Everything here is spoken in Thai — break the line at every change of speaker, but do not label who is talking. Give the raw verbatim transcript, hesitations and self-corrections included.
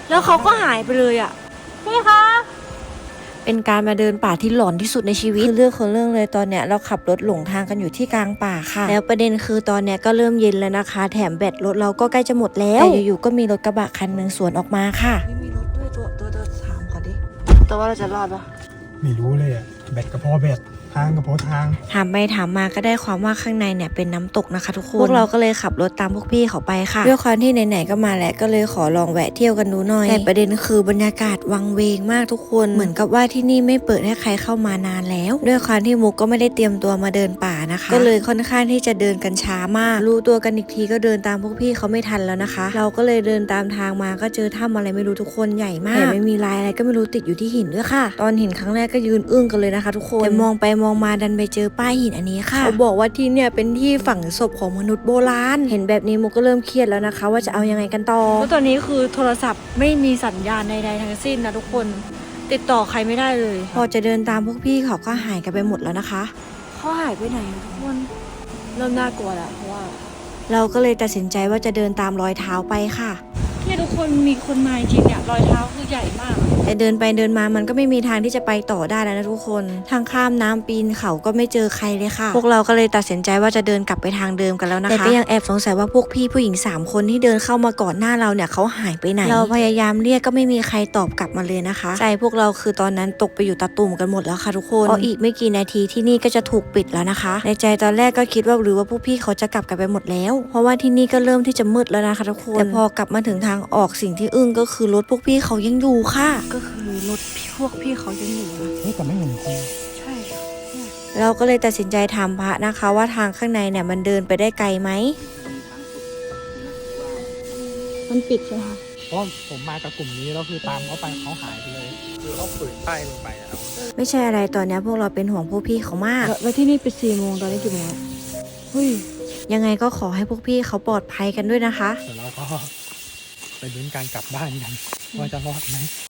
แล้วเขาก็หายไปเลยอ่ะพี่คะเป็นการมาเดินป่าที่หลอนที่สุดในชีวิตคือเรื่องของเรื่องเลยตอนเนี้ยเราขับรถหลงทางกันอยู่ที่กลางป่าค่ะแล้วประเด็นคือตอนเนี้ยก็เริ่มเย็นแล้วนะคะแถมแบตรถเราก็ใกล้จะหมดแล้วแต่อยู่ๆก็มีรถกระบะคันหนึ่งสวนออกมาค่ะไม่มีรถด้วยตัวตัวตัวถามเขาดิตัวว่าเราจะรอดปะ
ไม่รู้เลยอ่ะแบตกระเพาะแบตทางกระเพาะทาง
ถามไปถามมาก็ได้ความว่าข้างในเนี่ยเป็นน้ำตกนะคะทุกคนพวกเราก็เลยขับรถตามพวกพี่เขาไปค่ะด้วยความที่ไหนๆก็มาแล้วก็เลยขอลองแวะเที่ยวกันดูหน่อยแต่ประเด็นคือบรรยากาศวังเวงมากทุกคนเหมือนกับว่าที่นี่ไม่เปิดให้ใครเข้ามานานแล้วด้วยความที่มุกก็ไม่ได้เตรียมตัวมาเดินป่านะคะก็เลยค่อนข้างที่จะเดินกันช้ามากรู้ตัวกันอีกทีก็เดินตามพวกพี่เขาไม่ทันแล้วนะคะเราก็เลยเดินตามทางมาก็เจอถ้ำอะไรไม่รู้ทุกคนใหญ่มากแต่ไม่มีลายอะไรก็ไม่รู้ติดอยู่ที่หินด้วยค่ะตอนเห็นครั้งแรกก็ยืนอึ้งกันเลยนะคะทุกคนแต่มองไปมองมาดันไปเจอป้ายหินอันนี้ค่ะเขาบอกว่าที่เนี่ยเป็นที่ฝังศพของมนุษย์โบราณเห็นแบบนี้มุกก็เริ่มเครียดแล้วนะคะว่าจะเอายังไงกันต่อเพราะตอนนี้คือโทรศัพท์ไม่มีสัญญาณใดๆทั้งสิ้นนะทุกคนติดต่อใครไม่ได้เลยพอจะเดินตามพวกพี่เขาก็หายกันไปหมดแล้วนะคะเขาหายไปไหนทุกคนเริ่มน่ากลัวแล้วเพราะว่าเราก็เลยตัดสินใจว่าจะเดินตามรอยเท้าไปค่ะเนี่ยทุกคนมีคนมาจริงเนี่ยรอยเท้าคือใหญ่มากแต่เดินไปเดินมามันก็ไม่มีทางที่จะไปต่อได้แล้วนะทุกคนทางข้ามน้ำปีนเขาก็ไม่เจอใครเลยค่ะพวกเราก็เลยตัดสินใจว่าจะเดินกลับไปทางเดิมกันแล้วนะคะแต่ก็ยังแอบสงสัยว่าพวกพี่ผู้หญิงสามคนที่เดินเข้ามาก่อนหน้าเราเนี่ยเขาหายไปไหนเราพยายามเรียกก็ไม่มีใครตอบกลับมาเลยนะคะใจพวกเราคือตอนนั้นตกไปอยู่ตะตุ่มกันหมดแล้วค่ะทุกคนเพราะอีกไม่กี่นาทีที่นี่ก็จะถูกปิดแล้วนะคะในใจตอนแรกก็คิดว่าหรือว่าพวกพี่เขาจะกลับกันไปหมดแล้วเพราะว่าที่นี่ก็เริ่มที่จะมืดแล้วนะคะทุกคนแต่พอกลับมาถึงทางออกสิ่งที่อึ้งก็คือรถพวกพี่เขายังอยู่ค่ะก็คือรถพวกพี่เขายังอยู่นะ
เฮ้ยแต่ไม่เห็นคน
ใช่เราก็เลยตัดสินใจถามพระนะคะว่าทางข้างในเนี่ยมันเดินไปได้ไกลไหมมันปิดใช่ไหมคะ
เพราะผมมากับกลุ่มนี้แล้วคือตามเขาไปเขาหายไปเลยคือเขาฝืนป้ายลงไปอะครับ
ไม่ใช่อะไรตอนนี้พวกเราเป็นห่วงพวกพี่เขามากแล้วที่นี่เป็นสี่โมงตอนนี้กี่โมงเฮ้ยยังไงก็ขอให้พวกพี่เขาปลอดภัยกันด้วยนะคะ
เดี๋ยวเราก็ไปลุ้นการกลับบ้านกันว่าจะรอดไหม